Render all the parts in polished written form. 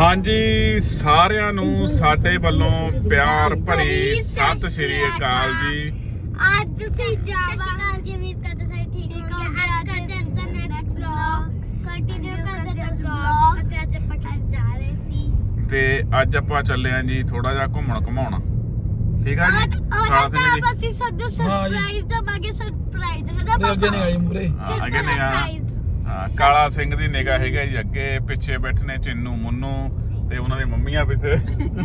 ਹਾਂਜੀ ਸਾਰਿਆਂ ਨੂੰ ਸਾਡੇ ਵੱਲੋਂ ਪਿਆਰ ਭਰੀ ਸਤਿ ਸ਼੍ਰੀ ਅਕਾਲ ਜੀ। ਅੱਜ ਅਸੀਂ ਜਾਵਾਂ ਜੀ ਉਮੀਦ ਕਰਦੇ ਸਾਰੇ ਠੀਕ ਹੋਗੇ। ਅੱਜ ਕਰਦੇ ਹਾਂ ਦਾ ਨੈਕਸਟ ਵਲੌਗ ਕੰਟੀਨਿਊ ਕਰਦੇ ਹਾਂ ਵਲੌਗ ਅਤੇ ਅੱਜ ਆਪਾਂ ਕਿੱਥੇ ਜਾ ਰਹੇ ਸੀ ਤੇ ਅੱਜ ਆਪਾਂ ਚੱਲੇ ਆਂ ਜੀ ਥੋੜਾ ਜਿਹਾ ਘੁੰਮਣ ਘਮਾਉਣਾ। ਠੀਕ ਆ ਜੀ ਕਾਲਾ ਸਿੰਘ ਜੀ ਅਸੀਂ ਸਾਨੂੰ ਸਰਪ੍ਰਾਈਜ਼ ਦਵਾਂਗੇ। ਸਰਪ੍ਰਾਈਜ਼ ਨਾ ਮੇਰੇ ਅੱਗੇ ਨਹੀਂ ਆਈ ਮੁਰੇ ਅੱਗੇ ਨਹੀਂ ਆ ਕਾਲਾ ਸਿੰਘ ਦੀ ਨਿਗਾਹ ਹੈਗਾ ਜੀ ਅੱਗੇ ਪਿੱਛੇ ਬੈਠਨੇ ਚਿੰਨੂ ਮੁੰਨੂ ਤੇ ਉਹਨਾਂ ਦੀ ਮੰਮੀਆਂ ਪਿੱਛੇ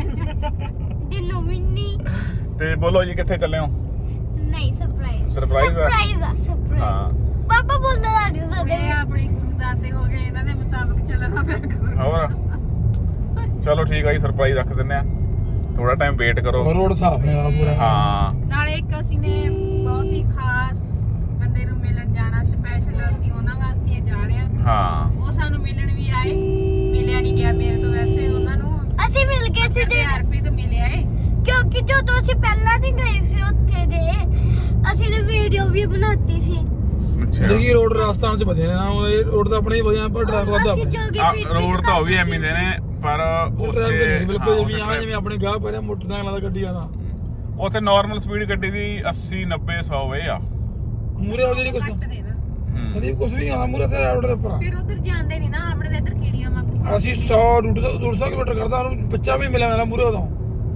ਦਿਨੂ ਮਿੰਨੀ ਤੇ ਬੋਲੋ ਜੀ ਕਿੱਥੇ ਚੱਲੇ ਹੋ? ਨਹੀਂ ਸਰਪ੍ਰਾਈਜ਼ ਸਰਪ੍ਰਾਈਜ਼ ਹਾਂ ਪਾਪਾ ਬੋਲਦਾ ਨਹੀਂ ਸਕਦੇ ਇਹ ਆਪਣੀ ਗੁਰੂ ਦਾਤੇ ਹੋ ਗਏ, ਇਹਨਾਂ ਦੇ ਮੁਤਾਬਕ ਚੱਲਣਾ ਪਿਆ ਕਰੋ। ਹੋਰ ਚਲੋ ਠੀਕ ਆ ਜੀ ਸਰਪ੍ਰਾਈਜ਼ ਰੱਖ ਦਿੰਨੇ ਆ, ਥੋੜਾ ਟਾਈਮ ਵੇਟ ਕਰੋ। ਰੋਡ ਸਾਫ ਨੇ ਆ ਪੂਰਾ। ਹਾਂ ਨਾਲੇ ਇੱਕ ਅਸੀਂ ਨੇ ਬਹੁਤ ਹੀ ਖਾਸ ਬੰਦੇ ਨੂੰ ਮਿਲਣ ਜਾਣਾ, ਸਪੈਸ਼ਲ ਅਸੀਂ ਉਹਨਾਂ ਵਾਸਤੇ ਜਾ ਰਹੇ ਹਾਂ। ਹਾਂ ਉਹ ਸਾਨੂੰ ਮਿਲਣ ਵੀ ਆਏ, ਮਿਲਿਆ ਨਹੀਂ ਗਿਆ ਮੇਰੇ ਤੋਂ, ਵੈਸੇ ਉਹਨਾਂ ਨੂੰ ਅਸੀਂ ਮਿਲ ਗਏ ਸੀ ਤੇ ਹਰਪ੍ਰੀਤ ਮਿਲਿਆ ਏ ਕਿਉਂਕਿ ਜਦੋਂ ਅਸੀਂ ਪਹਿਲਾਂ ਨਹੀਂ ਗਏ ਸੀ ਉੱਥੇ ਦੇ ਅਸੀਂ ਨੇ ਵੀਡੀਓ ਵੀ ਬਣਾਤੀ ਸੀ। ਅੱਛਾ ਦੇਖੀ ਰੋਡ ਰਾਜਸਥਾਨ ਚ ਵਧੀਆ ਨਾ, ਇਹ ਰੋਡ ਤਾਂ ਆਪਣੇ ਹੀ ਵਧੀਆ ਪਰ ਡਰਾਈਵਰ ਵੱਧ ਅਸੀਂ ਆਪਣੇ ਜੋਗੀ ਰੋਡ ਤਾਂ ਉਹ ਵੀ ਐਵੇਂ ਦੇ ਨੇ ਪਰ ਡਰਾਈਵਰ ਨਹੀਂ ਬਿਲਕੁਲ ਉੱਥੇ ਜਿਵੇਂ ਆਪਣੇ ਗਾਹ ਪਰੇ ਮੋਟਰਸਾਈਕਲਾਂ ਦਾ ਗੱਡੀਆਂ ਦਾ ਉੱਥੇ ਨਾਰਮਲ ਸਪੀਡ ਗੱਡੀ ਦੀ 80 90 100 ਵੇ ਆ ਮੂਰੇ ਉਹਦੇ ਨਹੀਂ ਕੁਛ ਘੱਟ ਨੇ ਨਾ, ਸੰਦੀਪ ਕੁਛ ਵੀ ਨਹੀਂ ਆਉਂਦਾ ਮੂਰੇ ਤੇ ਰੋਡ ਦੇ ਉੱਪਰ। ਫਿਰ ਉਧਰ ਜਾਂਦੇ ਨਹੀਂ ਨਾ, ਆਪਣੇ ਦੇ ਇੱਧਰ ਕੀੜੀਆਂ ਵਾਂਗੂ। ਅਸੀਂ 100 150 ਕਿਲੋਮੀਟਰ ਕਰਦਾ, ਉਹਨੂੰ ਬੱਚਾ ਵੀ ਮਿਲਿਆ ਮੇਰਾ ਮੂਰੇ ਉਦੋਂ।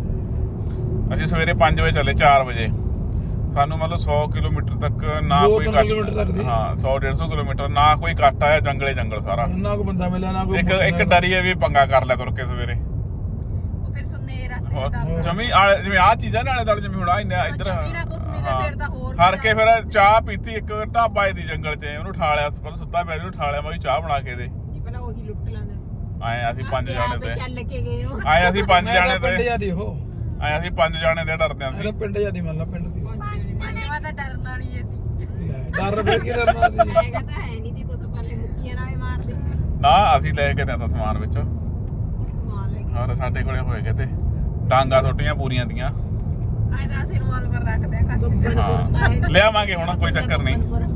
ਅਸੀਂ ਸਵੇਰੇ 5 ਵਜੇ ਚੱਲੇ 4 ਵਜੇ, ਸਾਨੂੰ ਮਤਲਬ 100 ਕਿਲੋਮੀਟਰ ਤੱਕ ਨਾ ਕੋਈ 200 ਕਿਲੋਮੀਟਰ ਤੱਕ ਦੀ। ਹਾਂ 100 150 ਕਿਲੋਮੀਟਰ ਨਾ ਕੋਈ ਕੱਟ ਆਇਆ, ਜੰਗਲੇ ਜੰਗਲ ਸਾਰਾ। ਨਾ ਕੋਈ ਬੰਦਾ ਮਿਲਿਆ ਨਾ ਕੋਈ ਇੱਕ ਡਰੀ ਹੈ ਵੀ ਪੰਗਾ ਕਰ ਲਿਆ ਤੁਰ ਕੇ ਸਵੇਰੇ। ਉਹ ਫਿਰ ਸੁਣਨੇ ਰਸਤੇ ਹੋਰ ਦਾ ਜਮੀ ਜਿਵੇਂ ਆਹ ਚੀਜ਼ਾਂ ਨਾਲੇ ਦਾਲੇ ਜਿਵੇਂ ਹੁਣ ਆ ਇੱਧਰ ਜਮੀ ਨਾ ਕੁਛ ਮਿਲੇ ਫਿਰ ਤਾਂ ਹੋਰ ਹਰ ਕੇ ਫਿਰ ਚਾਹ ਪੀਤੀ ਇੱਕ ਢਾਬਾ ਦੀ ਜੰਗਲ 'ਚ, ਉਹਨੂੰ ਠਾ ਲਿਆ ਪਰ ਸੁੱਤਾ ਪਿਆ, ਉਹਨੂੰ ਠਾ ਲਿਆ ਮੈਂ ਵੀ ਚਾਹ ਬਣਾ ਕੇ ਦੇ। ਪਹਿਲਾਂ ਉਹੀ ਲੁੱਟ ਲਾਂਦਾ। ਆਏ ਅਸੀਂ 5 ਜਾਣੇ ਤੇ ਚੱਲ ਕੇ ਗਏ ਹੋ ਆਏ ਅਸੀਂ 5 ਜਾਣੇ ਪਿੰਡ ਤੇ ਜਾਂਦੀ ਉਹ ਆਏ ਅਸੀਂ 5 ਜਾਣੇ ਤੇ ਡਰਦੇ ਸੀ। ਇਹਦਾ ਪਿੰਡ ਜਾਂਦੀ ਮੰਨ ਲਾ ਪਿੰਡ ਦੀ ਪੰਜਵਾਂ ਤਾਂ ਡਰਨ ਵਾਲੀ ਏ ਸੀ। ਡਰ ਫਿਰ ਕੀ ਡਰਨਾ ਸੀ। ਹੈਗਾ ਤਾਂ ਹੈ ਨਹੀਂ ਤੇ ਕੁਛ ਪੱਲੇ ਮੁੱਕੀਆਂ ਨਾਲੇ ਮਾਰਦੇ ਨਾ ਅਸੀਂ ਲੈ ਕੇ ਤਾਂ ਸਮਾਨ ਵਿੱਚ ਸਮਾਨ ਲੈ ਕੇ ਹੋਰ ਸਾਡੇ ਕੋਲੇ ਹੋਏਗੇ ਤੇ ਡਾਂਗਾ ਛੋਟੀਆਂ ਪੂਰੀਆਂ ਦੀਆਂ। ਆਏ ਤਾਂ ਅਸੀਂ ਰਿਵਾਲਵਰ ਰੱਖਦੇ ਆ ਕੱਚ ਹਾਂ ਲਿਆਵਾਂਗੇ ਹੁਣ ਕੋਈ ਚੱਕਰ ਨਹੀਂ।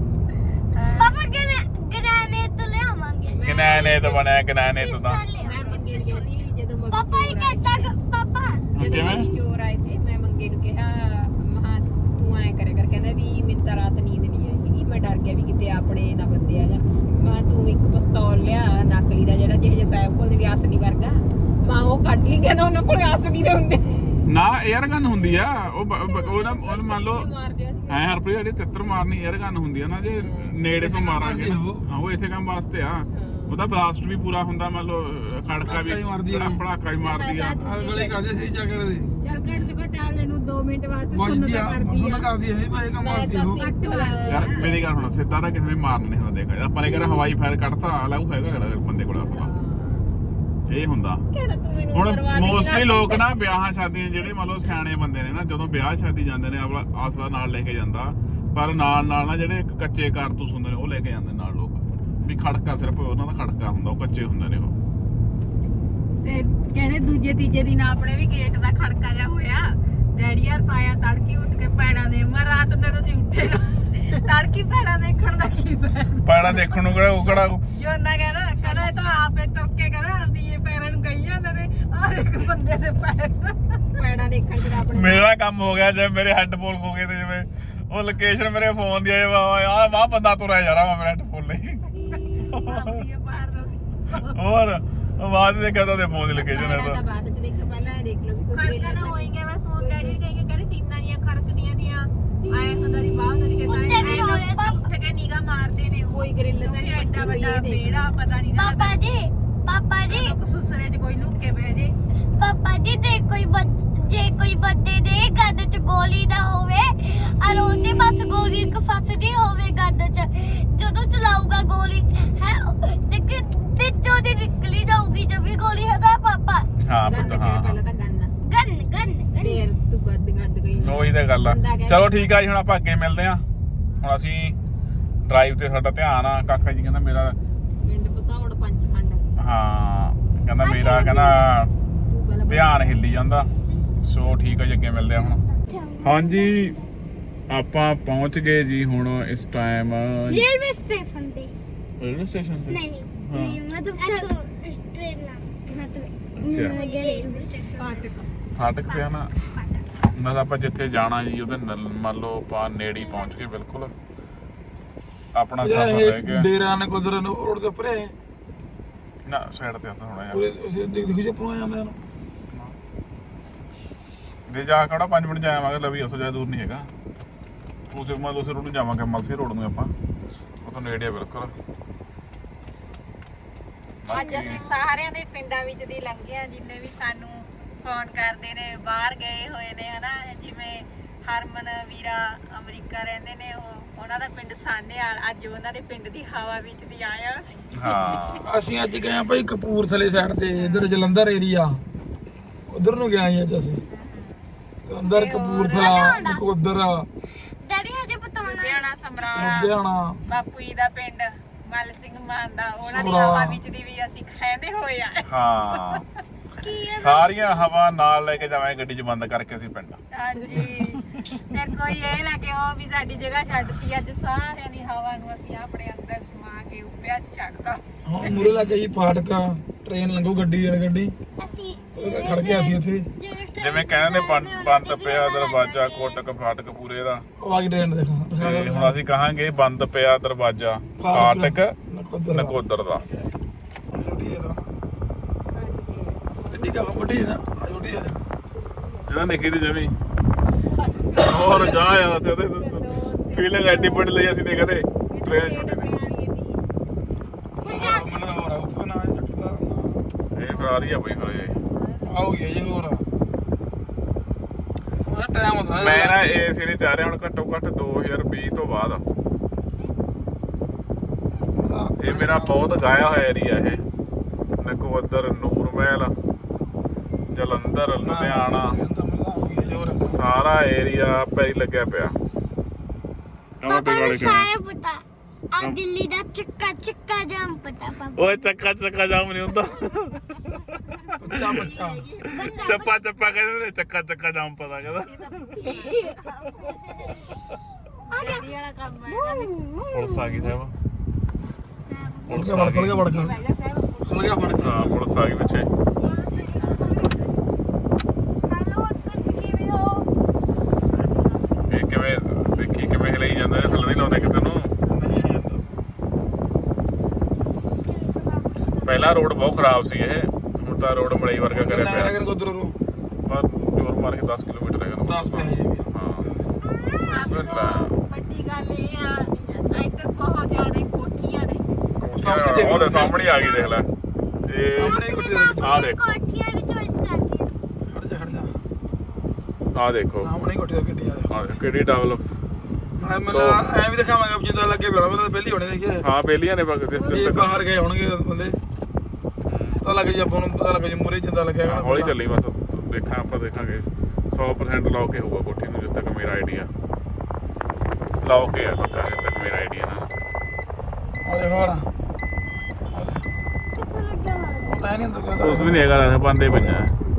ਪਾਪਾ ਗ੍ਰੈਨੇਡ ਤੋਂ ਲਿਆਵਾਂਗੇ। ਗਨੈਨੇ ਬਣਿਆ ਗਨੈਨੇ ਤਾਂ ਮੈਂ ਮੰਗੇ ਨੂੰ ਕਹਿੰਦੀ ਜਦੋਂ ਮੱਗੀ ਪਾਪਾ ਇਹ ਕਹਿੰਦਾ ਪਾਪਾ ਜਦੋਂ ਮੱਗੀ ਚੋਰ ਆਏ ਤੇ ਮੈਂ ਮੰਗੇ ਨੂੰ ਕਿਹਾ ਮਹਾ ਤੂੰ ਐ ਕਰਿਆ ਕਰ, ਕਹਿੰਦਾ ਵੀ ਮੈਨੂੰ ਤਾਂ ਰਾਤ ਨੀਂਦ ਨਹੀਂ ਆਈ ਹੈਗੀ, ਮੈਂ ਡਰ ਗਿਆ ਵੀ ਕਿਤੇ ਆਪਣੇ ਨਾ ਬੰਦੇ ਆ ਜਾ। ਮੈਂ ਤੂੰ ਇੱਕ ਪਿਸਤੌਲ ਲਿਆ ਨਕਲੀ ਦਾ ਜਿਹੜਾ ਜਿਹੇ ਸਾਹਿਬ ਕੋਲ ਦੀ ਅਸਲੀ ਵਰਗਾ, ਮਾਂ ਉਹ ਕੱਢ ਲਈ, ਕਹਿੰਦਾ ਉਹਨਾਂ ਕੋਲ ਅਸਲੀ ਦੇ ਹੁੰਦੇ ਨਾ 에ਅਰ ਗਨ ਹੁੰਦੀ ਆ ਉਹ ਨਾ ਉਹ ਮੰਨ ਲਓ ਮਾਰ ਜਾਣਗੇ। ਐ ਹਰਪ੍ਰੀਤ ਜਿਹੜੀ ਤਿੱਤਰ ਮਾਰਨੀ 에ਅਰ ਗਨ ਹੁੰਦੀ ਆ ਨਾ, ਜੇ ਨੇੜੇ ਤੋਂ ਮਾਰਾਂਗੇ ਨਾ ਹਾਂ ਉਹ ਇਸੇ ਕੰਮ ਵਾਸਤੇ ਆ। ਉਹਦਾ ਬਲਾਸਟ ਵੀ ਪੂਰਾ ਹੁੰਦਾ, ਮੰਨ ਲਓ ਖੜਕਾ ਵੀ ਭੜਾਕਾ ਵੀ ਮਾਰਦੀ ਆ। ਗਲੇ ਕਰਦੇ ਸੀ ਜਾ ਕਰਦੇ ਚੱਲ ਘੰਟੇ ਤੋਂ ਟਾਲੇ ਨੂੰ 2 ਮਿੰਟ ਬਾਅਦ ਤੂੰ ਕੋਈ ਸੁਣਦਾ ਕਰਦੀ ਸੁਣ ਆ। ਕਰਦੀ ਹੈ ਭਾਈ ਕੰਮ ਆਉਂਦੀ ਉਹ ਯਾਰ ਮੇਰੀ ਗੱਲ ਹੁਣ ਸਿੱਧਾ ਤਾਂ ਕਿਸੇ ਨੇ ਮਾਰਨ ਨਹੀਂ ਹੁੰਦਾ। ਦੇਖ ਆਪਾਂ ਨੇ ਕਿਹਾ ਹਵਾਈ ਫਾਇਰ ਕੱਢਤਾ ਅਲੱਗ ਹੈਗਾ ਬੰਦੇ ਕੋਲ ਅਸਲਾ ਇਹ ਹੁੰਦਾ। ਕਹਿੰਦਾ ਤੂੰ ਮੈਨੂੰ ਹੁਣ ਕਰਵਾ ਦੇ ਮੋਸਟਲੀ ਲੋਕ ਨਾ ਵਿਆਹਾਂ ਸ਼ਾਦੀਆਂ ਜਿਹੜੇ ਮੰਨ ਲਓ ਸਿਆਣੇ ਬੰਦੇ ਨੇ ਨਾ, ਜਦੋਂ ਵਿਆਹ ਸ਼ਾਦੀ ਜਾਂਦੇ ਨੇ ਆਪਣਾ ਆਸਰਾ ਨਾਲ ਲੈ ਕੇ ਜਾਂਦਾ, ਪਰ ਨਾਲ ਨਾਲ ਨਾ ਜਿਹੜੇ ਕੱਚੇ ਕਾਰਤੂਸ ਹੁੰਦੇ ਨੇ ਉਹ ਲੈ ਕੇ ਜਾਂਦੇ ਨਾਲ ਲੋਕ, ਵੀ ਖੜਕਾ ਸਿਰਫ ਉਹਨਾਂ ਦਾ ਖੜਕਾ ਹੁੰਦਾ, ਉਹ ਕੱਚੇ ਹੁੰਦੇ ਨੇ ਉਹ। ਤੇ ਕਹਿੰਦੇ ਦੂਜੇ ਤੀਜੇ ਦਿਨ ਆਪਣੇ ਵੀ ਗੇਟ ਦਾ ਖੜਕਾ ਜਾ ਹੋਇਆ। ਡੈਡੀ ਯਾਰ ਤਾਇਆ ਤੜਕੀ ਉੱਠ ਕੇ ਪੈੜਾਂ ਦੇ ਮੈਂ ਰਾਤ ਨੂੰ ਤੁਸੀਂ ਉੱਠੇ ਨਾ ਤੜਕੀ ਪੈੜਾਂ ਦੇਖਣ ਦਾ ਕੀ ਪੈੜਾਂ ਦੇਖਣ ਨੂੰ ਕਿਹੜਾ ਉਹ ਕਿਹੜਾ ਜੋਨਾ ਕਹਿੰਦਾ ਇਹ ਤਾਂ ਆਪੇ ਤੁਰ ਕੇ ਕਹਿੰਦਾ ਆਪਦੀ ਇਹ ਪੈਰਾਂ ਨੂੰ ਕਹੀ ਜਾਂਦੇ ਨੇ ਆਹ ਇੱਕ ਬੰਦੇ ਦੇ ਪੈੜਾਂ ਦੇਖਣ ਚ ਆਪਣੇ ਮੇਰਾ ਕੰਮ ਹੋ ਗਿਆ ਜਿਵੇਂ ਮੇਰੇ ਹੈੱਡਫੋਨ ਖੋ ਗਏ ਤੇ ਜਿਵੇਂ ਉਹ ਲੋਕੇਸ਼ਨ ਮੇਰੇ ਫੋਨ ਦੀ ਆਏ ਆ ਵਾਹ ਬੰਦਾ ਤੁਰਿਆ ਜਾ ਰਿਹਾ ਵਾ ਮੇਰੇ ਹੈੱਡਫੋਨ ਲਈ। ਆਪਦੀ ਇਹ ਪਾੜ ਦੋ ਸੀ ਹੋਰ ਆਵਾਜ਼ ਦੇ ਕਹਦਾ ਤੇ ਫੋਨ ਦੀ ਲੋਕੇਸ਼ਨ ਹੈ ਤਾਂ ਬਾਅਦ ਚ ਦੇਖ ਪਹਿਲਾਂ ਦੇਖ ਲਓ ਵੀ ਕੋਈ ਖੜਕਾ ਨਾ ਹੋਏਗਾ। ਮੈਂ ਸੋਨ ਡੈਡੀ ਨੇ ਕਹਿੰਦੇ ਟੀਨਾਂ ਦੀਆਂ ਖੜਕਦੀਆਂ ਦੀਆਂ ਆਏ ਹੁੰਦਾ ਦੀ ਬਾਹਰ ਹੁੰਦੀ ਕਿ ਤਾਂ ਉੱਠ ਕੇ ਨਿਗਾ ਮਾਰਦੇ ਨੇ ਕੋਈ ਗ੍ਰਿਲ ਤਾਂ ਨਹੀਂ ਐਡਾ ਵੱਡਾ ਬੇੜਾ ਪਤਾ ਨਹੀਂ ਨਾ ਪਾਪਾ ਜੀ ਲੋਕ ਸੁਸਰੇ 'ਚ ਕੋਈ ਲੁੱਕ ਕੇ ਬਹਿ ਜੇ। ਪਾਪਾ ਜੀ ਜੇ ਕੋਈ ਬੱਚੇ ਦੇ ਗੱਦ ਚ ਗੋਲੀ ਦਾ ਹੋਵੇ ਔਰ ਉਹਦੇ ਬਸ ਗੋਲੀ ਇੱਕ ਫਸਦੀ ਹੋਵੇ ਗੱਦ ਚ, ਜਦੋਂ ਚਲਾਊਗਾ ਗੋਲੀ ਹੈ ਤੇ ਚੋਦੀ ਨਿਕਲੀ ਜਾਊਗੀ ਜਦ ਵੀ ਗੋਲੀ ਹੈਗਾ ਪਾਪਾ। ਹਾਂ ਪੁੱਤ ਹਾਂ ਪਹਿਲਾਂ ਤਾਂ ਗੰਨ ਫੇਰ ਤੂੰ ਗੱਦ ਗਈ ਉਹੀ ਤਾਂ ਗੱਲ ਆ। ਚਲੋ ਠੀਕ ਆ ਜੀ ਹੁਣ ਆਪਾਂ ਅੱਗੇ ਮਿਲਦੇ ਆ। ਹੁਣ ਅਸੀਂ ਡਰਾਈਵ ਤੇ ਸਾਡਾ ਧਿਆਨ ਆ। ਕਾਕਾ ਜੀ ਕਹਿੰਦਾ ਮੇਰਾ ਪਿੰਡ ਪਸਾਉੜ ਪੰਚਖੰਡ ਹਾਂ ਕਹਿੰਦਾ ਮੇਰਾ ਕਹਿੰਦਾ ਧਿਆਨ ਹਿੱਲੀ ਜਾਂਦਾ। ਸੋ ਠੀਕ ਆ ਜੀ ਅੱਗੇ ਮਿਲਦੇ ਆ ਹੁਣ। ਹਾਂਜੀ ਆਪਾਂ ਪਹੁੰਚ ਗਏ ਜੀ ਹੁਣ ਇਸ ਟਾਈਮ ਰੇਲਵੇ ਸਟੇਸ਼ਨ ਤੇ। ਰੇਲਵੇ ਸਟੇਸ਼ਨ ਤੇ ਨਹੀਂ ਮਤਲਬ ਟ੍ਰੇਨ ਨਾ ਅੱਛਾ ਫਾਟਕ ਫਾਟਕ ਪਿਆ ਨਾ ਨਾਲ ਆਪਾਂ ਜਿੱਥੇ ਜਾਣਾ ਜੀ ਉਹਦੇ ਮੰਨ ਲਓ ਆਪਾਂ ਨੇੜੇ ਹੀ ਪਹੁੰਚ ਗਏ ਬਿਲਕੁਲ ਆਪਣਾ ਸਫ਼ਰ ਰਹਿ ਗਿਆ ਡੇਰਾ ਨੇ ਕੁਦਰ ਰੋਡ ਦੇ ਉੱਪਰ ਹੈ ਨਾ ਸਾਈਡ ਤੇ ਥੋੜਾ ਜਿਹਾ ਉਹ ਦੇਖੋ ਜੇ ਪਰੋਂ ਜਾਂਦੇ ਹਨ ਦੇ ਜਾ ਕੇ 5 ਮਿੰਟ ਜਾਵਾਂਗੇ ਲਵੀ ਉੱਥੋਂ ਜ਼ਿਆਦਾ ਦੂਰ ਨਹੀਂ ਹੈਗਾ ਉਸੇ ਮਾ ਦੂਸਰੇ ਰੋਡ ਨੂੰ ਜਾਵਾਂਗੇ ਮਲਸੀ ਰੋਡ ਨੂੰ ਆਪਾਂ ਉੱਥੋਂ ਨੇੜੇ ਆ ਬਿਲਕੁਲ ਅੱਜ ਅਸੀਂ ਸਾਰਿਆਂ ਦੇ ਪਿੰਡਾਂ ਵਿੱਚ ਦੀ ਲੰਘੇ ਆ ਜਿੰਨੇ ਵੀ ਸਾਨੂੰ ਫੋਨ ਕਰਦੇ ਨੇ ਬਾਹਰ ਗਏ ਹੋਏ ਨੇ ਹਨਾ ਜਿਵੇਂ ਹਰਮਨ ਵੀਰਾ ਅਮਰੀਕਾ ਰਹਿੰਦੇ ਨੇ ਉਹਨਾਂ ਦਾ ਪਿੰਡ ਸਾਨੇਵਾਲ ਅੱਜ ਉਹਨਾਂ ਦੇ ਪਿੰਡ ਦੀ ਹਵਾ ਵਿੱਚ ਦੀ ਆਇਆ ਸੀ ਹਾਂ ਅਸੀਂ ਅੱਜ ਗਏ ਆ ਭਾਈ ਕਪੂਰਥਲੇ ਸਾਈਡ ਤੇ ਇਧਰ ਜਲੰਧਰ ਏਰੀਆ ਉਧਰ ਨੂੰ ਗਏ ਅੱਜ ਅਸੀਂ ਜਲੰਧਰ ਕਪੂਰਥਲਾ ਨਕੋਦਰ ਡੈਡੀ ਹਜੇ ਪਤਾਉਣਾ ਲੁਧਿਆਣਾ ਸਮਰਾਲਾ ਲੁਧਿਆਣਾ ਬਾਪੂ ਜੀ ਦਾ ਪਿੰਡ ਮੱਲ ਸਿੰਘ ਮਾਨ ਦਾ ਉਹਨਾਂ ਦੀ ਸਮਰਾਲਾ। ਹਵਾ ਵਿੱਚ ਦੀ ਵੀ ਅਸੀਂ ਖਾਂਦੇ ਹੋਏ ਆ ਹਾਂ ਕੀ ਹੈ ਸਾਰੀਆਂ ਹਵਾ ਨਾਲ ਲੈ ਕੇ ਜਾਵਾਂਗੇ ਗੱਡੀ 'ਚ ਬੰਦ ਕਰਕੇ ਅਸੀਂ ਪਿੰਡ ਹਾਂਜੀ ਫਿਰ ਕੋਈ ਇਹ ਨਾ ਕਿ ਉਹ ਵੀ ਸਾਡੀ ਜਗ੍ਹਾ ਛੱਡਤੀ ਅੱਜ ਸਾਰਿਆਂ ਦੀ ਹਵਾ ਨੂੰ ਅਸੀਂ ਆਪਣੇ ਅੰਦਰ ਸਮਾ ਕੇ ਉੱਪਿਆ 'ਚ ਛੱਡਤਾ ਹਾਂ ਮੂਰੇ ਲੱਗੇ ਜੀ ਫਾਟਕਾ ਟ੍ਰੇਨ ਲੰਘੂ ਗੱਡੀ ਵਾਲੀ ਗੱਡੀ ਅਸੀਂ ਖੜ ਗਿਆ ਸੀ ਉੱਥੇ ਜਿਵੇਂ ਕਹਿੰਦੇ ਬੰਦ ਪਿਆ ਦਰਵਾਜ਼ਾ ਕੋਟਕ ਫਾਟਕ ਪੂਰੇ ਦਾ ਉਹ ਆ ਗਈ ਟ੍ਰੇਨ ਦੇਖਾ ਤੇ ਹੁਣ ਅਸੀਂ ਕਹਾਂਗੇ ਬੰਦ ਪਿਆ ਦਰਵਾਜ਼ਾ ਫਾਟਕ ਨਕੋਦਰ ਦਾ ਗੱਡੀ ਕਾ ਵੱਡੀ ਹੈ ਨਾ ਛੋਟੀ ਹੈ ਜਿਹਦਾ ਨਿੱਕੀ ਦੀ ਜਮੀ ਹੋਰ ਜਾ ਆ ਅਸੀਂ ਉਹਦੇ ਫੀਲਿੰਗ ਐਡੀ ਬੜੀ ਲਈ ਅਸੀਂ ਤੇ ਕਦੇ ਟ੍ਰੇਨ ਛੋਟੀ ਨਹੀਂ ਮੈਨੂੰ ਹੋਰ ਆ ਉੱਕਾ ਨਾ ਚੱਕਦਾ ਇਹ ਫਰਾਰੀ ਆ ਬਈ ਫਿਰ ਇਹ ਆਉ ਗਿਆ ਜੀ ਹੋਰ ਉਹ ਟਾਈਮ ਹੁੰਦਾ ਮੈਂ ਨਾ ਏਸੀ ਨਹੀਂ ਚਾਹ ਰਿਹਾ ਹੁਣ ਘੱਟੋ ਘੱਟ 2020 ਤੋਂ ਬਾਅਦ ਇਹ ਮੇਰਾ ਬਹੁਤ ਗਾਇਆ ਹੋਇਆ ਏਰੀਆ ਇਹ ਨਕੋਦਰ ਨੂਰਮਹਿਲ ਜਲੰਧਰ ਲੁਧਿਆਣਾ ਸਾਰਾ ਏਰੀਆ ਪੈਰੀ ਲੱਗਿਆ ਪਿਆ ਕਮਾ ਪਾਪਾ ਵਾਲੇ ਨੂੰ ਸਾਰੇ ਪਤਾ ਆ ਦਿੱਲੀ ਦਾ ਚੱਕਾ ਜਾਮ ਪਤਾ ਪਾਪਾ ਓਏ ਚੱਕਾ ਜਾਮ ਨਹੀਂ ਹੁੰਦਾ ਚੱਪਾ ਕਹਿੰਦੇ ਨੇ ਚੱਕਾ ਜਾਮ ਪਤਾ ਕਹਿੰਦਾ ਜਲਦੀ ਵਾਲਾ ਕੰਮ ਹੈ ਪੁਲਿਸ ਆ ਗਈ ਸਾਹਿਬ ਪੁਲਿਸ ਆ ਵੜ ਗਈ ਗਿਆ ਭਾਈਆ ਸਾਹਿਬ ਖੁੱਲ ਗਿਆ ਫੜ ਹਾਂ ਪੁਲਿਸ ਆ ਗਈ ਪਿੱਛੇ ਹੈਲੋ ਅੰਕਲ ਕਿਵੇਂ ਹੋ ਇਹ ਕਿਵੇਂ ਦੇਖੀ ਕਿਵੇਂ ਹਿਲਾਈ ਜਾਂਦੇ ਨੇ ਥੱਲੇ ਨਹੀਂ ਲਾਉਂਦੇ ਕਿਤੇ ਨੂੰ ਪਹਿਲਾਂ ਰੋਡ ਬਹੁਤ ਖਰਾਬ ਸੀ ਇਹ ਹੁਣ ਤਾਂ ਰੋਡ ਮੜਾਈ ਵਰਗਾ ਕਰਿਆ ਪਿਆ ਨਗਰ ਕੋਦਰ ਨੂੰ ਪਰ ਜੋਰ ਮਾਰ ਕੇ 10 ਕਿਲੋਮੀਟਰ ਹੈਗਾ 10 ਪੈਸੇ ਜੀ ਹਾਂ ਵੱਡੀ ਗੱਲ ਇਹ ਆ ਇੱਧਰ ਬਹੁਤ ਜ਼ਿਆਦਾ ਕੋਠੀਆਂ ਨੇ ਉਹਦੇ ਸਾਹਮਣੇ ਆ ਗਈ ਦੇਖ ਲੈ ਤੇ ਆ ਦੇਖੋ ਕੋਠੀਆਂ ਦੀ ਚੋਇਸ ਕਰਦੀ ਹੈ ਖੜ ਜਾ ਆ ਦੇਖੋ ਸਾਹਮਣੇ ਕੋਠੀ ਦਾ ਗੱਡੀ ਆ ਆ ਦੇਖੋ ਕਿਹੜੀ ਡਬਲ ਮੈਂ ਐ ਵੀ ਦਿਖਾਵਾਂਗਾ ਜਿੱਦਾਂ ਲੱਗੇ ਬੜਾ ਮੈਂ ਤਾਂ ਪਹਿਲੀ ਹੋਣੇ ਦੇਖਿਆ ਹਾਂ ਬੇਲੀਆਂ ਨੇ ਬਗ ਇਹ ਬਾਹਰ ਗਏ ਹੋਣਗੇ ਬੰਦੇ ਪਤਾ ਲੱਗ ਜੀ ਆਪਾਂ ਨੂੰ ਪਤਾ ਲੱਗ ਜੀ ਮੂਰੇ ਜਿੰਦਾ ਲੱਗਿਆ ਹੈਗਾ ਹੌਲੀ ਚੱਲੀ ਬਸ ਆਪਾਂ ਦੇਖਾਂਗੇ 100% ਲਾਓ ਕੇ ਹੋਊਗਾ ਕੋਠੀ ਨੂੰ ਜਿੱਦ ਤੱਕ ਮੇਰਾ ਆਈਡੀਆ ਲਾਓ ਕੇ ਹੈ ਪੱਕਾ ਜਿੱਦ ਤੱਕ ਮੇਰਾ ਆਈਡੀਆ ਨਾ ਆ ਦੇਖੋ ਹੋਰ ਕਿੱਥੇ ਲੱਗਿਆ ਹੋਇਆ ਪਤਾ ਨਹੀਂ ਅੰਦਰ ਉਸ ਵੀ ਨਹੀਂ ਹੈਗਾ ਰਹਿ ਬੰਦੇ ਪੰਜਾ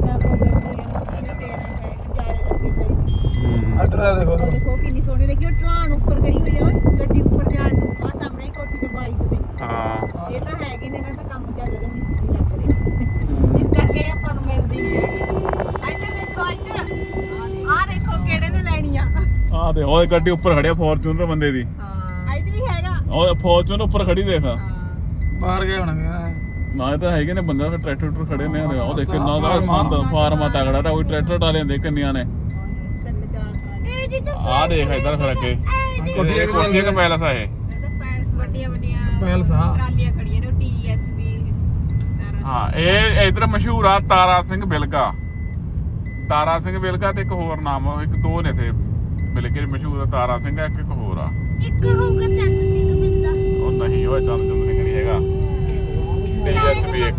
ਇੱਧਰ ਆ ਦੇਖੋ ਉੱਧਰ। ਦੇਖੋ ਕਿੰਨੀ ਸੋਹਣੀ ਦੇਖਿਓ ਢਲਾਣ ਉੱਪਰ ਕਰੀ ਹੋਈ ਆ ਗੱਡੀ ਉੱਪਰ ਜਾਣ ਨੂੰ ਆ ਸਾਹਮਣੇ ਕੋਠੀ ਤੇ ਬਾਈਕ ਤੇ ਹਾਂ ਇਹ ਤਾਂ ਹੈਗੇ ਨੇ ਇਹਨਾਂ ਦਾ ਕੰਮ ਚੱਲ ਰਿਹਾ ਮਿਸਤਰੀ ਲੱਗ ਰਹੇ ਇਸ ਕਰਕੇ ਆਪਾਂ ਨੂੰ ਮਿਲਦੀ ਨਹੀਂ ਹੈਗੀ ਇੱਧਰ ਦੇਖੋ ਇੱਧਰ ਆ ਦੇਖੋ ਕਿਹੜੇ ਨੇ ਲੈਣੀ ਆ ਆ ਦੇ ਉਹ ਗੱਡੀ ਉੱਪਰ ਖੜਿਆ ਫੋਰਚੂਨਰ ਬੰਦੇ ਦੀ ਹਾਂ ਇੱਧਰ ਵੀ ਹੈਗਾ ਉਹ ਫੋਰਚੂਨਰ ਉੱਪਰ ਖੜੀ ਦੇਖ ਬਾਹਰ ਗਏ ਹੋਣਗੇ ਨਾ ਇਹ ਤਾਂ ਹੈਗੇ ਨੇ ਬੰਦਾ ਟਰੈਕਟਰ ਖੜੇ ਨੇ ਉਹ ਦੇਖ ਕਿੰਨਾ ਦਾ ਸੰਦ ਫਾਰਮਾ ਤਗੜਾ ਤਾਂ ਉਹ ਟਰੈਕਟਰ ਟਾਲੇ ਹੁੰਦੇ ਕਿੰਨੀਆਂ ਨੇ ਤਿੰਨ ਚਾਰ ਸਾਲ ਇਹ ਜੀ ਤਾਂ ਆ ਦੇਖ ਇਧਰ ਫਿਰ ਅੱਗੇ ਕੋਠੀ ਦਾ ਪੈਲਸ ਆ ਇਹ ਇਹ ਤਾਂ ਪੈਲਸ ਵੱਡੀਆਂ ਵੱਡੀਆਂ ਪੈਲਸ ਹਾਂ ਟਰਾਲੀਆਂ ਖੜੀਆਂ ਨੇ TSB ਹਾਂ ਇਹ ਇਧਰ ਮਸ਼ਹੂਰ ਆ ਤਾਰਾ ਸਿੰਘ ਬਿਲਗਾ ਤਾਰਾ ਸਿੰਘ ਬਿਲਗਾ ਤੇ ਇੱਕ ਹੋਰ ਨਾਮ ਇੱਕ ਦੋ ਨੇ ਇੱਥੇ ਬਿਲਗੇ ਮਸ਼ਹੂਰ ਆ ਤਾਰਾ ਸਿੰਘ ਆ ਇੱਕ ਹੋਰ ਆ ਇੱਕ ਹੋਊਗਾ ਚੰਦ ਸਿੰਘ ਬਿੰਦਾ ਉਹ ਨਹੀਂ ਉਹ ਚੰਦ ਸਿੰਘ ਨਹੀਂ ਹੈਗਾ TSB ਇੱਕ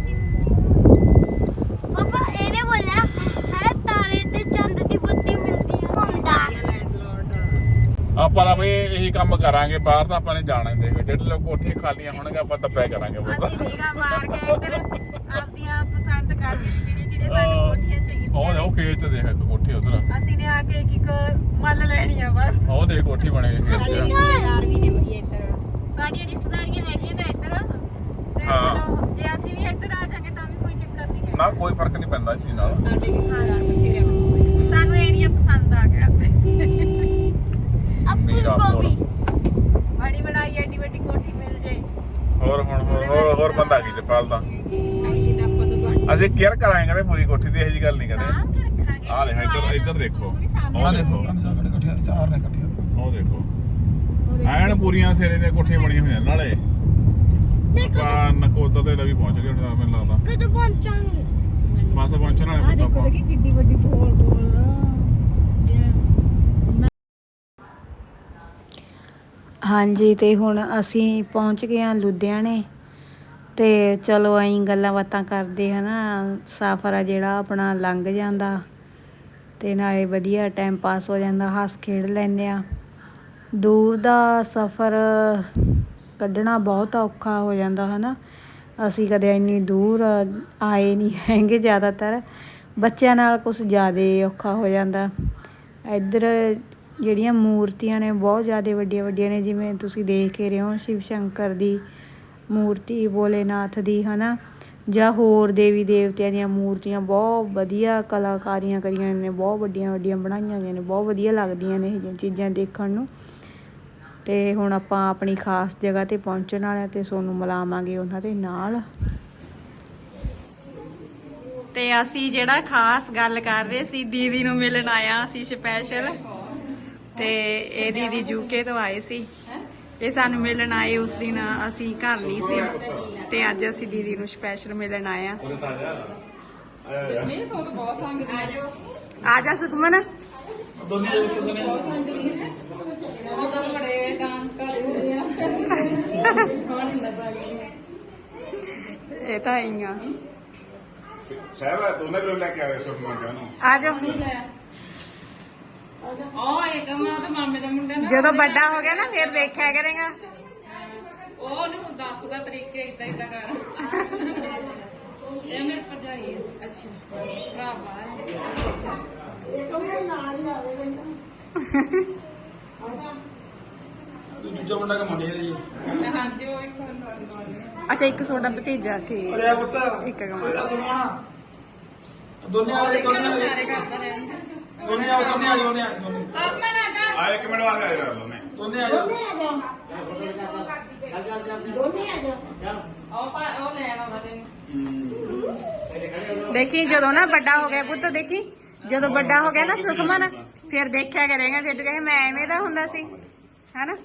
ਪਾਪਾ ਇਹਨੇ ਬੋਲਿਆ ਹੈ ਤਾਰੇ ਤੇ ਚੰਦ ਦੀ ਬੱਤੀ ਮਿਲਦੀ ਹੈ ਹੁੰਦਾ ਲੈਂਡਲੋਰਡ ਆਪਾਂ ਤਾਂ ਬਈ ਇਹੀ ਕੰਮ ਕਰਾਂਗੇ ਬਾਹਰ ਤਾਂ ਆਪਾਂ ਨੇ ਜਾਣਾ ਹੀ ਦੇਖ ਜਿਹੜੇ ਲੋਕ ਕੋਠੀਆਂ ਖਾਲੀਆਂ ਹੋਣਗੇ ਆਪਾਂ ਦੱਬਿਆ ਕਰਾਂਗੇ ਬਸ ਅਸੀਂ ਨੀਗਾ ਮਾਰ ਕੇ ਇੱਧਰ ਆਪਦੀਆਂ ਪਸੰਦ ਕਰਦੇ ਜਿਹੜੇ ਸਾਨੂੰ ਕੋਠੀਆਂ ਚਾਹੀਦੀਆਂ ਉਹ ਖੇਤ ਚ ਦੇਖ ਇੱਕ ਕੋਠੀ ਉਧਰ ਅਸੀਂ ਨੇ ਆ ਕੇ ਇੱਕ ਮੱਲ ਲੈਣੀ ਆ ਬਸ ਉਹ ਦੇਖ ਕੋਠੀ ਬਣੇ ਸਾਡੇ ਰਿਸ਼ਤੇਦਾਰ ਵੀ ਨੇ ਬਈ ਇੱਧਰ ਸਾਡੀਆਂ ਰਿਸ਼ਤੇਦਾਰੀਆਂ ਹੈਗੀਆਂ ਨੇ ਇੱਧਰ ਤੇ ਹਾਂ। ਚਲੋ ਜੇ ਅਸੀਂ ਵੀ ਇੱਧਰ ਆ ਜਾਾਂਗੇ ਤਾਂ ਵੀ ਕੋਈ ਚੱਕਰ ਨਹੀਂ ਨਾ ਕੋਈ ਫਰਕ ਨਹੀਂ ਪੈਂਦਾ ਇਸ ਚੀਜ਼ ਨਾਲ। ਸਾਡੇ ਵੀ ਸਾਰਾ ਬਥੇਰੇ ਸਾਨੂੰ ਏਰੀਆ ਪਸੰਦ ਆ ਗਿਆ ਮੀਰਾ ਗੋਭੀ ਬੜੀ ਬਣਾਈ ਐਡੀ ਵੱਡੀ ਕੋਠੀ ਮਿਲ ਜੇ ਹੋਰ ਬੰਦਾ ਕੀ ਤੇ ਪਾਲਦਾ। ਆਈ ਤਾਂ ਆਪਾਂ ਤੋਂ ਬਣ ਅਸੀਂ ਕੇਅਰ ਕਰਾਂਗੇ ਕਦੇ ਪੂਰੀ ਕੋਠੀ ਦੀ, ਇਹੋ ਜਿਹੀ ਗੱਲ ਨਹੀਂ ਕਦੇ। ਸਾਂਭ ਕੇ ਰੱਖਾਂਗੇ। ਆਹ ਦੇਖ ਇੱਧਰ ਦੇਖੋ, ਆ ਦੇਖੋ ਇਕੱਠੇ ਚਾਰ ਨੇ ਇਕੱਠੇ। ਉਹ ਦੇਖੋ ਐਨ ਪੂਰੀਆਂ ਸਿਰੇ ਦੀਆਂ ਕੋਠੀਆਂ ਬਣੀਆਂ ਹੋਈਆਂ ਨਾਲੇ। ਆਪਾਂ ਨਕੋਦਰ ਤੇ ਵੀ ਪਹੁੰਚ ਗਏ ਹੁਣ ਮੈਨੂੰ ਲੱਗਦਾ। ਕਦੋਂ ਪਹੁੰਚਾਂਗੇ? ਬਸ ਪਹੁੰਚਣ ਵਾਲੇ ਪੁੱਤ ਆਪਾਂ। ਕਿੱਡੀ ਵੱਡੀ ਗੋਲ ਹਾਂਜੀ ਤੇ ਹੁਣ ਅਸੀਂ ਪਹੁੰਚ ਗਏ ਹਾਂ ਲੁਧਿਆਣੇ ਤੇ ਚਲੋ ਐਂ ਗੱਲਾਂ ਬਾਤਾਂ ਕਰਦੇ ਹਨਾ ਸਫ਼ਰ ਆ ਜਿਹੜਾ ਆਪਣਾ ਲੰਘ ਜਾਂਦਾ ਤੇ ਨਾਲੇ ਵਧੀਆ ਟਾਈਮ ਪਾਸ ਹੋ ਜਾਂਦਾ, ਹੱਸ ਖੇਡ ਲੈਂਦੇ ਆ। ਦੂਰ ਦਾ ਸਫ਼ਰ ਕੱਢਣਾ ਬਹੁਤ ਔਖਾ ਹੋ ਜਾਂਦਾ ਹਨਾ। ਅਸੀਂ ਕਦੇ ਇੰਨੀ ਦੂਰ ਆਏ ਨਹੀਂ ਹੈਗੇ, ਜ਼ਿਆਦਾਤਰ ਬੱਚਿਆਂ ਨਾਲ ਕੁਛ ਜ਼ਿਆਦਾ ਔਖਾ ਹੋ ਜਾਂਦਾ। ਇੱਧਰ ਜਿਹੜੀਆਂ ਮੂਰਤੀਆਂ ਨੇ ਬਹੁਤ ਜ਼ਿਆਦਾ ਵੱਡੀਆਂ ਵੱਡੀਆਂ ਨੇ, ਜਿਵੇਂ ਤੁਸੀਂ ਦੇਖ ਹੀ ਰਹੇ ਹੋ ਸ਼ਿਵ ਸ਼ੰਕਰ ਦੀ ਮੂਰਤੀ, ਭੋਲੇਨਾਥ ਦੀ ਹਨਾ, ਜਾਂ ਹੋਰ ਦੇਵੀ ਦੇਵਤਿਆਂ ਦੀਆਂ ਮੂਰਤੀਆਂ ਬਹੁਤ ਵਧੀਆ ਕਲਾਕਾਰੀਆਂ ਕਰੀਆਂ ਨੇ, ਬਹੁਤ ਵੱਡੀਆਂ ਵੱਡੀਆਂ ਬਣਾਈਆਂ ਹੋਈਆਂ ਨੇ, ਬਹੁਤ ਵਧੀਆ ਲੱਗਦੀਆਂ ਨੇ ਇਹ ਜਿਹੀਆਂ ਚੀਜ਼ਾਂ ਦੇਖਣ ਨੂੰ। ਤੇ ਹੁਣ ਆਪਾਂ ਆਪਣੀ ਖਾਸ ਜਗ੍ਹਾ ਤੇ ਪਹੁੰਚਣ ਵਾਲੇ ਆ ਤੇ ਤੁਹਾਨੂੰ ਮਿਲਾਵਾਂਗੇ ਉਹਨਾਂ ਦੇ ਨਾਲ। ਤੇ ਅਸੀਂ ਜਿਹੜਾ ਖਾਸ ਗੱਲ ਕਰ ਰਹੇ ਸੀ, ਦੀਦੀ ਨੂੰ ਮਿਲਣ ਆਇਆ ਅਸੀਂ ਸਪੈਸ਼ਲ। ਤੇ ਇਹ ਦੀਦੀ ਯੂਕੇ ਤੋਂ ਆਏ ਸੀ, ਇਹ ਸਾਨੂੰ ਮਿਲਣ ਆਏ। ਉਸ ਦਿਨ ਅਸੀਂ ਘਰ ਨਹੀਂ ਸੀ ਤੇ ਅੱਜ ਅਸੀਂ ਦੀਦੀ ਨੂੰ ਸਪੈਸ਼ਲ ਮਿਲਣ ਆਏ ਆ। ਆ ਜਾ ਸੁਖਮਨ। ਇਹ ਤਾਂ ਆਈਆਂ ਸਾਹਿਬ ਦੋਨੇ ਕੋਲ ਲੈ ਕੇ ਆਵੇ ਸੁਖਮਨ ਨੂੰ। ਆ ਜਾ। ਜਦੋਂ ਵੱਡਾ ਹੋ ਗਿਆ ਨਾ ਫਿਰ ਦੇਖਿਆ ਕਰੇਗਾ। ਉਹਨੂੰ ਦੱਸਦਾ ਤਰੀਕੇ ਇਦਾਂ ਇਦਾਂ ਕਰ। ਇਹ ਮੇਰੇ ਭਰਜਾਈ ਹੈ। ਅੱਛਾ ਭਰਾ ਬਾਹਰ। ਅੱਛਾ ਦੂਜਾ ਮੁੰਡਾ ਕਮਾਉਂਦੀ ਹੈ ਜੀ। ਹਾਂਜੀ ਉਹ ਇੱਕ ਅੱਛਾ ਇੱਕ ਛੋਟਾ ਭਤੀਜਾ, ਠੀਕ। ਅਰੇ ਆ ਪੁੱਤ ਇੱਕ ਕਮਾ। ਉਹਦਾ ਸਮਾਨ ਦੋਨੇ ਆ ਗਏ, ਦੋਨੇ ਆ ਸਾਰੇ ਗਏ, ਕਰਦਾ ਰਹਿੰਦਾ। ਦੋਨੇ ਆ ਗਏ, ਦੋਨੇ ਆ ਗਏ, ਦੋਨੇ ਆ ਗਏ, ਦੋਨੇ। ਸਭ ਮੈਂ ਨਾ ਕਰ। ਆ ਇੱਕ ਮਿੰਟ ਵਾਸਤੇ ਆ ਜਾ ਦੋਨੇ। ਦੋਨੇ ਆ ਜਾਓ। ਉਹ ਲੈਣ ਆਉਂਦਾ ਤੈਨੂੰ। ਦੇਖੀ ਜਦੋਂ ਨਾ ਵੱਡਾ ਹੋ ਗਿਆ ਪੁੱਤ, ਦੇਖੀ ਜਦੋਂ ਵੱਡਾ ਹੋ ਗਿਆ ਨਾ ਸੁਖਮਨ, ਫਿਰ ਦੇਖਿਆ ਕਰੇਗਾ, ਫਿਰ ਤੂੰ ਕਹੇ ਮੈਂ ਐਵੇਂ ਦਾ ਹੁੰਦਾ ਸੀ ਹੈਨਾ।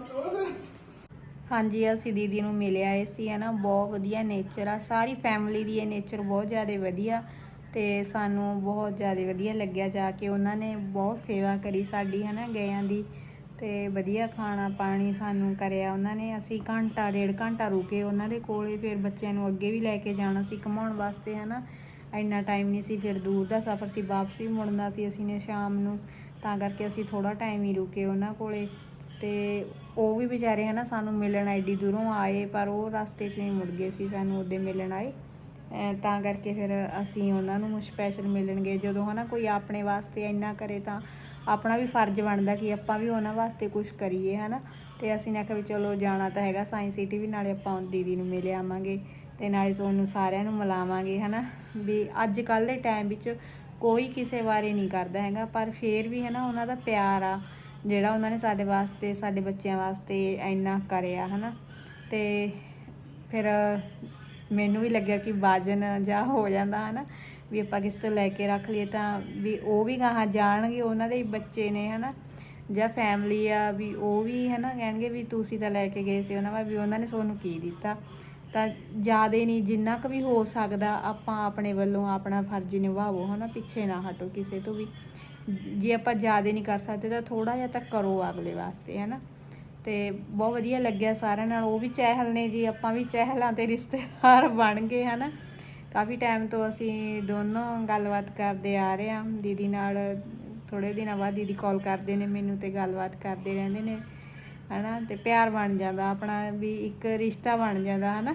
ਹਾਂਜੀ ਅਸੀਂ ਦੀਦੀ ਨੂੰ ਮਿਲ ਆਏ ਸੀ ਹਨਾ, ਬਹੁਤ ਵਧੀਆ ਨੇਚਰ ਆ, ਸਾਰੀ ਫੈਮਿਲੀ ਦੀ ਇਹ ਨੇਚਰ ਬਹੁਤ ਜ਼ਿਆਦਾ ਵਧੀਆ ਤੇ ਸਾਨੂੰ ਬਹੁਤ ਜ਼ਿਆਦਾ ਵਧੀਆ ਲੱਗਿਆ ਜਾ ਕੇ। ਉਹਨਾਂ ਨੇ ਬਹੁਤ ਸੇਵਾ ਕਰੀ ਸਾਡੀ ਹਨਾ ਗਇਆਂ ਦੀ, ਤੇ ਵਧੀਆ ਖਾਣਾ ਪਾਣੀ ਸਾਨੂੰ ਕਰਿਆ ਉਹਨਾਂ ਨੇ। ਅਸੀਂ ਘੰਟਾ ਡੇਢ ਘੰਟਾ ਰੁਕੇ ਉਹਨਾਂ ਦੇ ਕੋਲੇ, ਫਿਰ ਬੱਚਿਆਂ ਨੂੰ ਅੱਗੇ ਵੀ ਲੈ ਕੇ ਜਾਣਾ ਸੀ ਘੁਮਾਉਣ ਵਾਸਤੇ ਹਨਾ, ਇੰਨਾ ਟਾਈਮ ਨਹੀਂ ਸੀ, ਫਿਰ ਦੂਰ ਦਾ ਸਫ਼ਰ ਸੀ, ਵਾਪਸ ਵੀ ਮੁੜਨਾ ਸੀ ਅਸੀਂ ਨੇ ਸ਼ਾਮ ਨੂੰ, ਤਾਂ ਕਰਕੇ ਅਸੀਂ ਥੋੜ੍ਹਾ ਟਾਈਮ ਹੀ ਰੁਕੇ ਉਹਨਾਂ ਕੋਲੇ। ਤੇ ਉਹ ਵੀ ਵਿਚਾਰੇ ਹਨਾ ਸਾਨੂੰ ਮਿਲਣ ਐਡੀ ਦੂਰੋਂ ਆਏ, ਪਰ ਉਹ ਰਸਤੇ 'ਚ ਹੀ ਮੁੜ ਗਏ ਸੀ, ਸਾਨੂੰ ਉਹਦੇ ਮਿਲਣ ਆਏ, ਤਾਂ ਕਰਕੇ ਫਿਰ ਅਸੀਂ ਉਹਨਾਂ ਨੂੰ ਸਪੈਸ਼ਲ ਮਿਲਣ ਗਏ। ਜਦੋਂ ਹਨਾ ਕੋਈ ਆਪਣੇ ਵਾਸਤੇ ਇੰਨਾ ਕਰੇ ਤਾਂ ਆਪਣਾ ਵੀ ਫਰਜ਼ ਬਣਦਾ ਕਿ ਆਪਾਂ ਵੀ ਉਹਨਾਂ ਵਾਸਤੇ ਕੁਝ ਕਰੀਏ ਹਨਾ। ਤੇ ਅਸੀਂ ਨੇ ਆਖਿਆ ਵੀ ਚਲੋ ਜਾਣਾ ਤਾਂ ਹੈਗਾ ਸਾਇੰਸ ਸਿਟੀ ਵੀ, ਨਾਲੇ ਆਪਾਂ ਦੀਦੀ ਨੂੰ ਮਿਲ ਆਵਾਂਗੇ ਤੇ ਨਾਲੇ ਤੁਹਾਨੂੰ ਸਾਰਿਆਂ ਨੂੰ ਮਿਲਾਵਾਂਗੇ ਹਨਾ। ਵੀ ਅੱਜ ਕੱਲ੍ਹ ਦੇ ਟਾਈਮ ਵਿੱਚ ਕੋਈ ਕਿਸੇ ਬਾਰੇ ਨਹੀਂ ਕਰਦਾ ਹੈਗਾ, ਪਰ ਫਿਰ ਵੀ ਹਨਾ ਉਹਨਾਂ ਦਾ ਪਿਆਰ ਆ ਜਿਹੜਾ ਉਹਨਾਂ ਨੇ ਸਾਡੇ ਵਾਸਤੇ, ਸਾਡੇ ਬੱਚਿਆਂ ਵਾਸਤੇ ਇੰਨਾ ਕਰਿਆ ਹਨਾ। ਤੇ ਫਿਰ ਮੈਨੂੰ ਵੀ ਲੱਗਿਆ ਕਿ ਵਜਨ ਜਾ ਹੋ ਜਾਂਦਾ ਹਨਾ, ਵੀ ਆਪਾਂ ਕਿਸ ਤੋਂ ਲੈ ਕੇ ਰੱਖ ਲਈਏ ਤਾਂ ਵੀ ਉਹ ਵੀ ਗਾਹਾਂ ਜਾਣਗੇ, ਉਹਨਾਂ ਦੇ ਬੱਚੇ ਨੇ ਹਨਾ ਜਾਂ ਫੈਮਿਲੀ ਆ, ਵੀ ਉਹ ਵੀ ਹਨਾ ਕਹਿਣਗੇ ਵੀ ਤੁਸੀਂ ਤਾਂ ਲੈ ਕੇ ਗਏ ਸੀ ਉਹਨਾਂ ਵਾ, ਵੀ ਉਹਨਾਂ ਨੇ ਤੁਹਾਨੂੰ ਕੀ ਦਿੱਤਾ। ਤਾਂ ਜ਼ਿਆਦਾ ਨਹੀਂ, ਜਿੰਨਾ ਕੁ ਵੀ ਹੋ ਸਕਦਾ ਆਪਾਂ ਆਪਣੇ ਵੱਲੋਂ ਆਪਣਾ ਫਰਜ਼ ਨਿਭਾਵੋ ਹਨਾ, ਪਿੱਛੇ ਨਾ ਹਟੋ ਕਿਸੇ ਤੋਂ ਵੀ। ਜੇ ਆਪਾਂ ਜ਼ਿਆਦਾ ਨਹੀਂ ਕਰ ਸਕਦੇ ਤਾਂ ਥੋੜ੍ਹਾ ਜਿਹਾ ਤਾਂ ਕਰੋ ਅਗਲੇ ਵਾਸਤੇ ਹਨਾ। ਤੇ ਬਹੁਤ ਵਧੀਆ ਲੱਗਿਆ ਸਾਰਿਆਂ ਨਾਲ, ਉਹ ਵੀ ਚਹਿਲ ਨੇ ਜੀ, ਆਪਾਂ ਵੀ ਚਹਿਲਾਂ ਤੇ ਰਿਸ਼ਤੇਦਾਰ ਬਣ ਗਏ ਹਨਾ। ਕਾਫੀ ਟਾਈਮ ਤੋਂ ਅਸੀਂ ਦੋਨੋਂ ਗੱਲਬਾਤ ਕਰਦੇ ਆ ਰਹੇ ਹਾਂ ਦੀਦੀ ਨਾਲ, ਥੋੜ੍ਹੇ ਦਿਨਾਂ ਬਾਅਦ ਦੀਦੀ ਕਾਲ ਕਰਦੇ ਨੇ ਮੈਨੂੰ ਤੇ ਗੱਲਬਾਤ ਕਰਦੇ ਰਹਿੰਦੇ ਨੇ ਹਨਾ, ਤੇ ਪਿਆਰ ਬਣ ਜਾਂਦਾ ਆਪਣਾ, ਵੀ ਇੱਕ ਰਿਸ਼ਤਾ ਬਣ ਜਾਂਦਾ ਹਨਾ।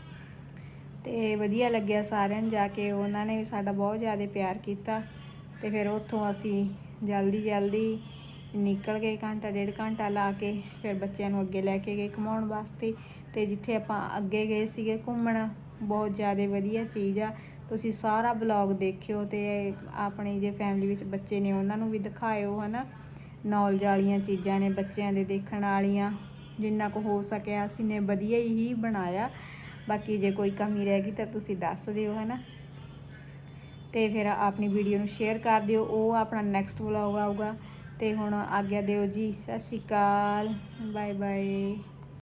ਤੇ ਵਧੀਆ ਲੱਗਿਆ ਸਾਰਿਆਂ ਨੂੰ ਜਾ ਕੇ, ਉਹਨਾਂ ਨੇ ਵੀ ਸਾਡਾ ਬਹੁਤ ਜ਼ਿਆਦਾ ਪਿਆਰ ਕੀਤਾ। ਤੇ ਫਿਰ ਉੱਥੋਂ ਅਸੀਂ ਜਲਦੀ ਨਿਕਲ ਗਏ, ਘੰਟਾ ਡੇਢ ਘੰਟਾ ਲਾ ਕੇ ਫਿਰ ਬੱਚਿਆਂ ਨੂੰ ਅੱਗੇ ਲੈ ਕੇ ਗਏ ਘੁਮਾਉਣ ਵਾਸਤੇ। ਤੇ ਜਿੱਥੇ ਆਪਾਂ ਅੱਗੇ ਗਏ ਸੀਗੇ ਘੁੰਮਣ, ਬਹੁਤ ਜ਼ਿਆਦਾ ਵਧੀਆ ਚੀਜ਼ ਆ, ਤੁਸੀਂ ਸਾਰਾ ਬਲੌਗ ਦੇਖਿਓ ਤੇ ਆਪਣੀ ਜੇ ਫੈਮਿਲੀ ਵਿੱਚ ਬੱਚੇ ਨੇ ਉਹਨਾਂ ਨੂੰ ਵੀ ਦਿਖਾਇਓ ਹਨਾ। ਨੌਲੇਜ ਵਾਲੀਆਂ ਚੀਜ਼ਾਂ ਨੇ ਬੱਚਿਆਂ ਦੇ ਦੇਖਣ ਵਾਲੀਆਂ, ਜਿੰਨਾ ਕੁ ਹੋ ਸਕਿਆ ਅਸੀਂ ਨੇ ਵਧੀਆ ਹੀ ਬਣਾਇਆ। ਬਾਕੀ ਜੇ ਕੋਈ ਕਮੀ ਰਹਿ ਗਈ ਤਾਂ ਤੁਸੀਂ ਦੱਸ ਦਿਓ ਹਨਾ। ਤੇ ਫਿਰ ਆਪਣੀ ਵੀਡੀਓ ਨੂੰ ਸ਼ੇਅਰ ਕਰ ਦਿਓ। ਉਹ ਆਪਣਾ ਨੈਕਸਟ ਵਲੌਗ ਆਊਗਾ। ਤੇ ਹੁਣ ਆਗਿਆ ਦਿਓ ਜੀ, ਸਤਿ ਸ਼੍ਰੀ ਅਕਾਲ, ਬਾਏ ਬਾਏ।